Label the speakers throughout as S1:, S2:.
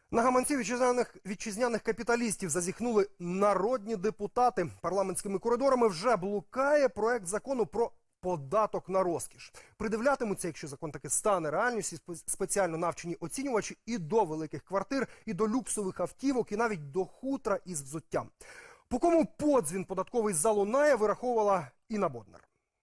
S1: На гаманці вітчизняних капіталістів зазіхнули народні депутати. Парламентськими коридорами вже блукає проект закону про податок на розкіш. Придивлятимуться, якщо закон таки стане реальністю, спеціально навчені оцінювачі і до великих квартир, і до люксових автівок, і навіть до хутра із взуттям. По кому подзвін податковий залунає, вираховувала Інна Боднар.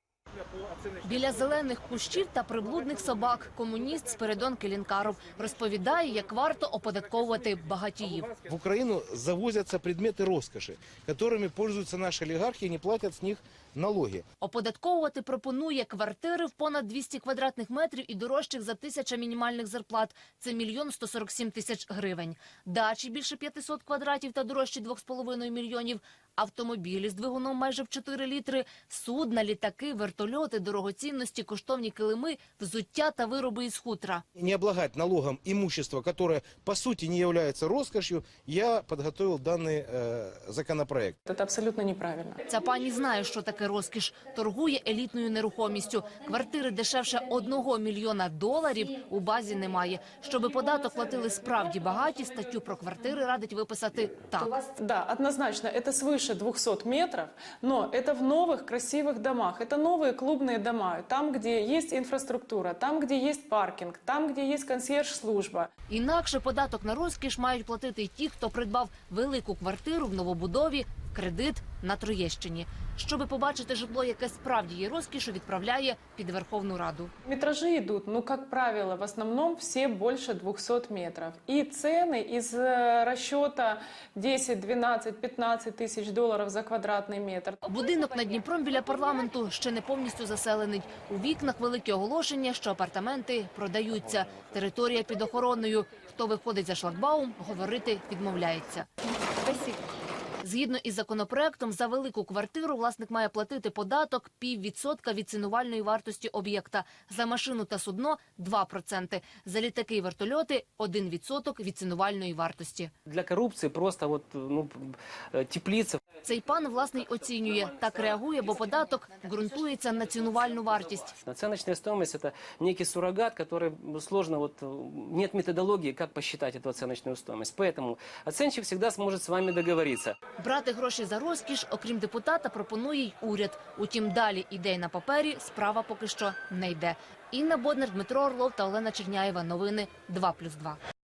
S2: Біля зелених кущів та приблудних собак комуніст Спиридон Келінкаров розповідає, як варто оподатковувати багатіїв.
S3: В Украину завозятся предметы роскоши, которыми пользуются наши олигархи и не платят с них налоги.
S2: Оподатковувати пропонує квартири в понад 200 квадратних метрів і дорожчих за 1000 мінімальних зарплат. Це 1 147 000 гривень. Дачі більше 500 квадратів та дорожчі 2,5 мільйонів. Автомобілі з двигуном майже в 4 літри, судна, літаки, вертольоти, дорогоцінності, коштовні килими, взуття та вироби із хутра.
S3: Не облагать налогом имущество, которое по сути не является роскошью, я подготовил данный законопроект.
S4: Это абсолютно неправильно.
S2: Ця пані знає, що таке розкіш. Торгує елітною нерухомістю. Квартири дешевше $1 мільйона у базі немає. Щоби податок платили справді багаті, статтю про квартири радить виписати так.
S4: Да, однозначно, это свыше 200 метров, но это в новых красивых домах. Это новые клубные дома, там, где есть инфраструктура, там, где есть паркинг, там, где есть консьерж-служба.
S2: Інакше податок на розкіш мають платити й ті, хто придбав велику квартиру в новобудові, кредит на Троєщині. Щоби побачити житло, яке справді є розкішу, відправляє під Верховну Раду.
S4: Метражи идут, ну, как правило, в основном все больше 200 метров. И цены из расчета 10, 12, 15 тысяч долларов за квадратный метр.
S2: Будинок над Дніпром біля парламенту ще не повністю заселений. У вікнах великі оголошення, що апартаменти продаються. Територія під охороною. Хто виходить за шлагбаум, говорити відмовляється.
S4: Спасибо.
S2: Згідно із законопроектом, за велику квартиру власник має платити податок 0,5% від цінувальної вартості об'єкта. За машину та судно – 2%. За літаки і вертольоти – 1% від цінувальної вартості.
S5: Для коррупции просто теплица.
S2: Цей пан власний оцінює. Так реагує, бо податок ґрунтується на цінувальну вартість.
S5: Оценочная стоимость – это некий суррогат, который сложно, нет методологии, как посчитать эту оценочную стоимость. Поэтому оценщик всегда сможет с вами договориться.
S2: Брати гроші за розкіш, окрім депутата, пропонує й уряд. Утім, далі ідей на папері, справа поки що не йде. Інна Боднар, Дмитро Орлов та Олена Черняєва. Новини 2+2.